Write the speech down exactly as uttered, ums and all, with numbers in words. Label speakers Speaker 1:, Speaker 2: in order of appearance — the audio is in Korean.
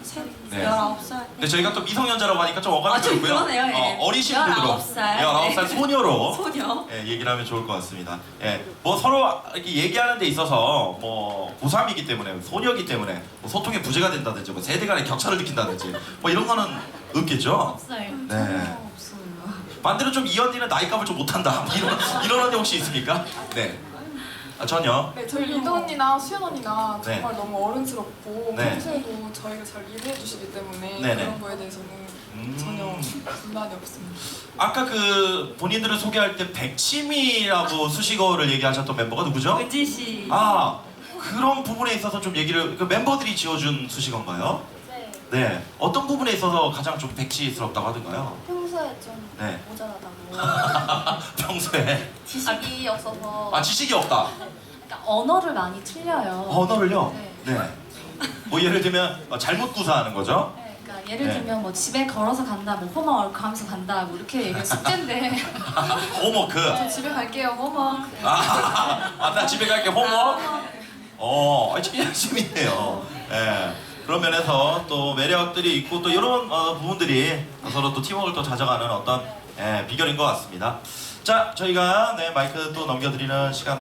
Speaker 1: 네.
Speaker 2: 열아홉 살.
Speaker 1: 근데 저희가 또 미성년자라고 하니까 좀 어감이
Speaker 2: 아, 좀
Speaker 1: 들고요.
Speaker 2: 그러네요. 예.
Speaker 1: 어, 어리신 분으로
Speaker 2: 열아홉 살.
Speaker 1: 열아홉 살
Speaker 2: 네.
Speaker 1: 소녀로
Speaker 2: 소녀.
Speaker 1: 예, 얘기를 하면 좋을 것 같습니다. 예, 뭐 서로 이렇게 얘기하는 데 있어서 뭐 고삼이기 때문에 소녀이기 때문에 뭐 소통의 부재가 된다든지 뭐 세대 간의 격차를 느낀다든지 뭐 이런 거는 없겠죠?
Speaker 2: 없어요.
Speaker 1: 네.
Speaker 2: 전혀 없어요.
Speaker 1: 반대로 좀 이 언니는 나이값을 좀 못한다 이런, 이런 언니 혹시 있습니까? 네. 아, 전혀.
Speaker 3: 네, 저희 리더 언니나 수연 언니가
Speaker 1: 네.
Speaker 3: 정말 너무 어른스럽고
Speaker 1: 네.
Speaker 3: 평소에도 저희가 잘 이해해 주시기 때문에
Speaker 1: 네네.
Speaker 3: 그런 거에 대해서는
Speaker 1: 음.
Speaker 3: 전혀 불만이 없습니다.
Speaker 1: 아까 그 본인들을 소개할 때 백치미라고 수식어를 얘기하셨던 멤버가 누구죠?
Speaker 2: 은지 씨.
Speaker 1: 아, 그런 부분에 있어서 좀 얘기를 그 멤버들이 지어준 수식어인가요?
Speaker 4: 네.
Speaker 1: 네. 어떤 부분에 있어서 가장 좀 백치스럽다고 하던가요?
Speaker 4: 평소에 좀
Speaker 1: 네.
Speaker 4: 모자라다고
Speaker 1: 평소에
Speaker 4: 지식이 없어서
Speaker 1: 아 지식이 없다.
Speaker 4: 그러니까 언어를 많이 틀려요.
Speaker 1: 언어를요?
Speaker 4: 네.
Speaker 1: 네. 뭐 예를 들면 어, 잘못 구사하는 거죠?
Speaker 4: 네, 그러니까 예를
Speaker 1: 네.
Speaker 4: 들면 뭐 집에 걸어서 간다, 뭐 홈워크 하면서 간다, 뭐 이렇게 얘기해 숙제인데
Speaker 1: 홈워크.
Speaker 4: 저 집에 갈게요, 홈워크.
Speaker 1: 아, 아, 나 집에 갈게 홈워크. 어, 아, 참 재밌네요. 예. 그런 면에서 또 매력들이 있고 또 이런 어, 부분들이 서로 또 팀워크를 또 찾아가는 어떤 예, 비결인 것 같습니다. 자, 저희가 네, 마이크 또 넘겨드리는 시간.